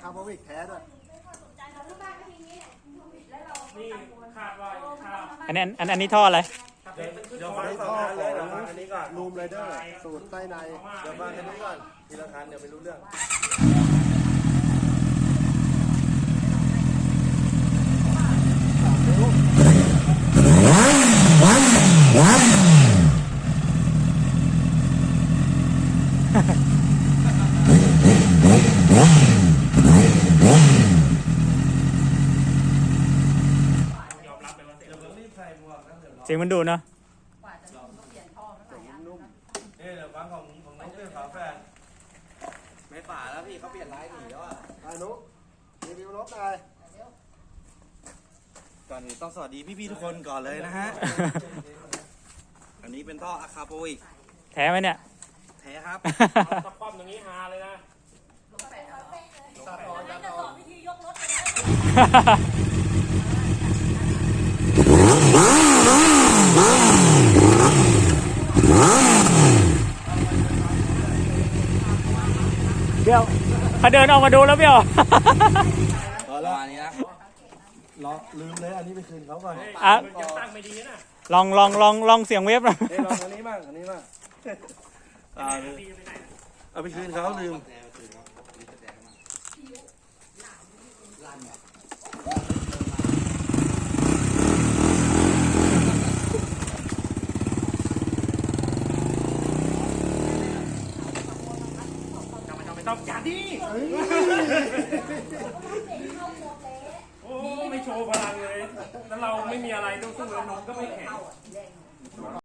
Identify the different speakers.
Speaker 1: ร์บอวิกแท้ด้วย
Speaker 2: นี่คาดว่าคาด
Speaker 3: อันนี้ท่ออะไร
Speaker 2: เดี๋ยวฟัง
Speaker 1: นี่
Speaker 2: สอ
Speaker 1: ท่
Speaker 2: ง
Speaker 1: อ
Speaker 2: คัน
Speaker 1: ข
Speaker 2: เล
Speaker 1: อย
Speaker 2: เดี๋ยวฟัง
Speaker 1: ง
Speaker 2: อันนี้ก่อน
Speaker 1: รูมไรเดอร์สูตรไส้ใน
Speaker 2: เดี๋ยวฟังอันนี้ก่อนทีละคันเดี๋ยวไม่รู้เรื่อง ยอมรับเลยว่าเดี๋ยวเรารีบใส่หมวกนะเดี๋ยว
Speaker 3: เสียงมันดูดเนาะ
Speaker 1: นุ่ม
Speaker 2: เดี๋ยวฟังของน้องเพื่อนฝาแฝด
Speaker 4: ไม่ป่าแล้วพี่เขาเปลี่ยนไลน์หนีแล้วอ่ะ
Speaker 1: ๆอานุรีวิวรถหน่อย
Speaker 4: ก่อนอื่นต้องสวัสดีพี่ๆทุกคนก่อนเลยนะฮะ อันนี้เป็นท่ออะคาโปวิก
Speaker 3: แท้ไหมเนี่ย
Speaker 4: แท้ครับ
Speaker 2: ถ้าคว่ำตรงนี้ฮาเลยนะ
Speaker 3: เบี้ยวเขาเดินออกมาดูแล้วเบี้ยว
Speaker 4: ประมาณนี้นะ
Speaker 1: ลืมเลยอันนี้ไปคืนเขาก่อน
Speaker 3: อ่ะ
Speaker 2: มันยังตั้งไม่ดีนะ
Speaker 3: ลองเสียงเวฟหน่อย
Speaker 1: เฮ้ยลองอันนี้บ้างอันนี้บ้างเอาไปคืนเขาลืม
Speaker 2: ไม่ต้องจัดดิโอ้ไม่โชว์พลังเลย แล้วเราไม่มีอะไรต้องสู้เลยนมก็ไม่แข็ง